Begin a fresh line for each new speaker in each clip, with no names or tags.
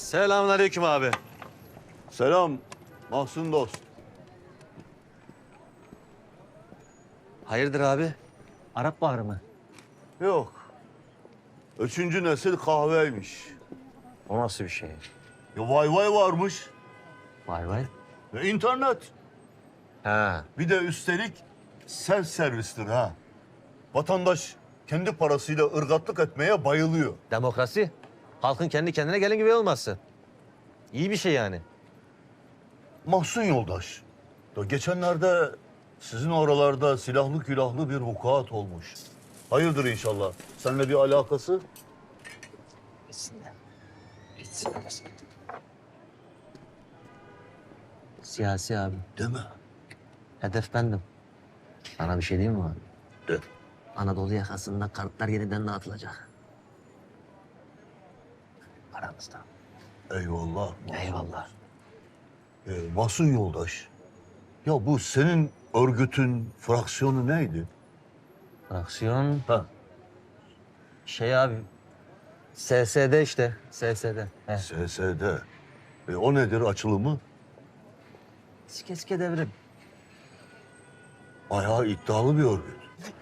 Selamünaleyküm abi.
Selam Mahsun dost.
Hayırdır abi? Arap Baharı mı?
Yok. Üçüncü nesil kahveymiş.
O nasıl bir şey?
Ya vay vay varmış.
Vay vay.
Ve internet.
Ha.
Bir de üstelik self servistir ha. Vatandaş kendi parasıyla ırgatlık etmeye bayılıyor.
Demokrasi. Halkın kendi kendine gelin gibi olması. İyi bir şey yani.
Mahsun yoldaş. Ya geçenlerde sizin oralarda silahlı külahlı bir vukuat olmuş. Hayırdır inşallah. Seninle bir alakası?
Bitsinler. Bitsinler. Siyasi abi.
Deme.
Hedef bendim. Sana bir şey diyeyim mi abi?
De.
Anadolu yakasında kartlar yeniden dağıtılacak. Aramızda.
Eyvallah.
Eyvallah.
Mahsun yoldaş. Ya bu senin örgütün fraksiyonu neydi?
Fraksiyon
Ha.
şey abi. SSD işte. SSD. He.
SSD. O nedir açılımı?
Sike devrim.
Bayağı iddialı bir örgüt.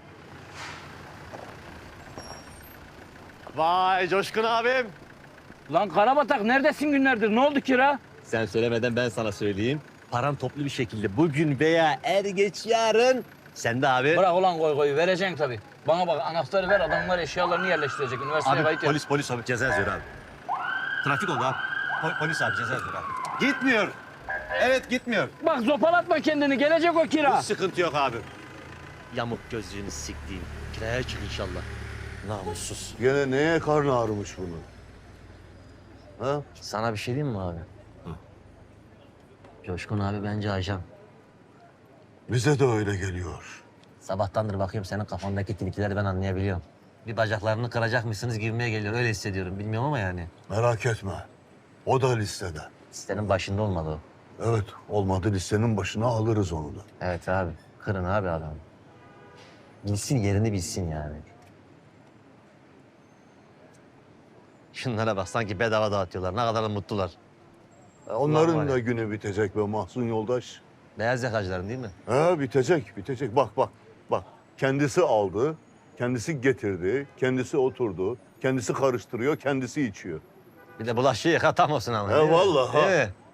Vay Coşkun abim.
Lan Karabatak neredesin günlerdir? Ne oldu kira?
Sen söylemeden ben sana söyleyeyim. Param toplu bir şekilde bugün veya er geç yarın sende abi.
Bırak ulan koy vereceksin tabii. Bana bak anahtarı ver adamlar eşyalarını yerleştirecek. Üniversiteye kayıt yap.
Polis abi ceza yazıyor abi. Trafik oldu abi. Polis abi ceza yazıyor abi. Gitmiyor. Evet gitmiyor.
Bak zopalatma kendini gelecek o kira.
Hiç sıkıntı yok abi. Yamuk gözlüğünü siktiğim. Kiraya çık inşallah. Namussuz.
Gene neye karnı ağrımış bunun? Ha?
Sana bir şey diyeyim mi abi? Coşkun abi bence ajan.
Bize de öyle geliyor.
Sabahtandır bakıyorum senin kafandaki tilkileri ben anlayabiliyorum. Bir bacaklarını kıracak mısınız gibime geliyor. Öyle hissediyorum. Bilmiyorum ama yani.
Merak etme. O da listede.
Listenin başında olmalı o.
Evet, olmadı listenin başına alırız onu da.
Evet abi. Kırın abi adam. Bilsin yerini bilsin yani. Şunlara bak sanki bedava dağıtıyorlar. Ne kadar da mutlular.
Onların
var ya.
da günü bitecek be Mahsun yoldaş.
Beyaz yakacıların değil mi?
Bitecek. Bak. Kendisi aldı, kendisi getirdi, kendisi oturdu, kendisi karıştırıyor, kendisi içiyor.
Bir de bulaşığı yıka tam olsun ama. değil mi?
Vallahi.
Değil mi?